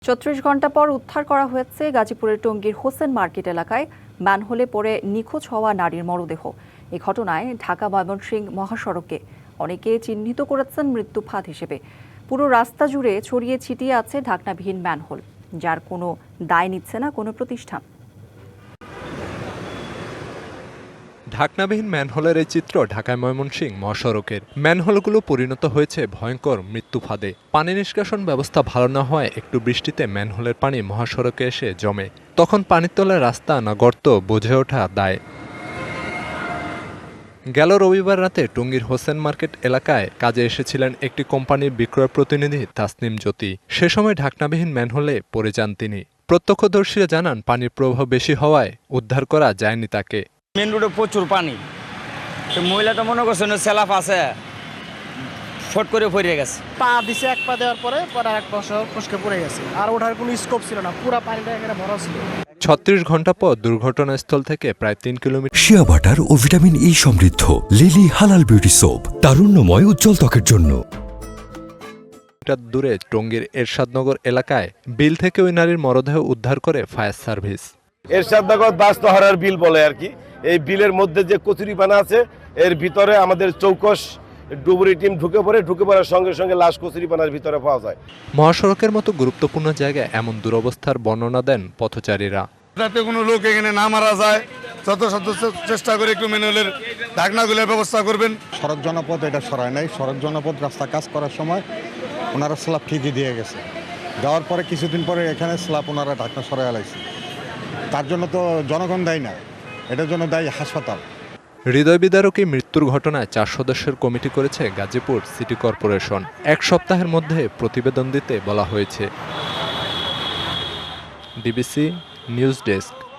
৩৬ ঘণ্টা পর উদ্ধার করা হয়েছে গাজীপুরের টঙ্গীর হোসেন মার্কেট এলাকায় ম্যানহোলে পড়ে নিখোঁজ হওয়া নারীর মরদেহ। এই ঘটনায় ঢাকা ময়মনসিংহ মহাসড়কে অনেকে চিহ্নিত করেছেন মৃত্যু ফাঁদ হিসেবে। পুরো রাস্তা জুড়ে ছড়িয়ে ছিটিয়ে আছে ঢাকনাবিহীন ম্যানহোল, যার কোনো দায় নিচ্ছে না কোনো প্রতিষ্ঠান। ঢাকনাবিহীন ম্যানহোলের এই চিত্র ঢাকায় ময়মনসিংহ মহাসড়কের। ম্যানহোলগুলো পরিণত হয়েছে ভয়ঙ্কর মৃত্যু ফাঁদে। পানি নিষ্কাশন ব্যবস্থা ভালো না হওয়ায় একটু বৃষ্টিতে ম্যানহোলের পানি মহাসড়কে এসে জমে। তখন পানির তলায় রাস্তা না গর্ত বুঝে ওঠা দায়। গেল রবিবার রাতে টঙ্গীর হোসেন মার্কেট এলাকায় কাজে এসেছিলেন একটি কোম্পানির বিক্রয় প্রতিনিধি তাসনিম জ্যোতি। সে সময় ঢাকনাবিহীন ম্যানহোলে পড়ে যান তিনি। প্রত্যক্ষদর্শীরা জানান পানির প্রবাহ বেশি হওয়ায় উদ্ধার করা যায়নি তাকে। মেন রোডে প্রচুর পানি, তো মহিলাটা মনে করছেন সেলাফ আছে, ফট করে পড়ে গেছে। পা দিছে, এক পা দেওয়ার পরে এক বছর ফসকে পড়ে গেছে, আর ওঠার কোনো স্কোপ ছিল না, পুরো পানিটা এখানে ভরা ছিল। ৩৬ ঘণ্টা পর দুর্ঘটনাস্থল থেকে প্রায় ৩ কিলোমিটার শিয়া বাটার ও ভিটামিন ই সমৃদ্ধ লিলি হালাল বিউটি সোপ, তারুণ্যময় উজ্জ্বল ত্বকের জন্য। দূরে টঙ্গীর এরশাদনগর এলাকায় বিল থেকে ওই নারীর মরদেহ উদ্ধার করে ফায়ার সার্ভিস। এরশাদনগর বাস্তহারার বিল বলে আর কি। এই বিলের মধ্যে যে কচুরিপানা আছে, এর ভিতরে আমাদের চৌকস ডুবুরি টিম ঢুকে পড়ার সঙ্গে সঙ্গে লাশ কচুরিপানার ভিতরে পাওয়া যায়। মহাসড়কের মতো গুরুত্বপূর্ণ জায়গায় এমন দুরবস্থার বর্ণনা দেন পথচারীরা। যাতে কোনো লোক এখানে না মারা যায়, যত সদস্য চেষ্টা করে একটু ম্যানুয়ালের ঢাকনাগুলোর ব্যবস্থা করবেন। সড়ক জনপদ এটা সরায় নাই। সড়ক জনপদ রাস্তা কাজ করার সময় ওনারা স্ল্যাব ঠিকই দিয়ে গেছে, দেওয়ার পরে কিছুদিন পরে এখানে স্ল্যাব ওনারা ঢাকনা সরাই আলাইছে। তার জন্য তো জনগণ দায়ী না, এটার জন্য দায়ী হাসপাতাল। হৃদয় বিদারকী মৃত্যুর ঘটনায় 4 সদস্যের কমিটি করেছে গাজীপুর সিটি কর্পোরেশন। 1 সপ্তাহের মধ্যে প্রতিবেদন দিতে বলা হয়েছে। DBC news desk.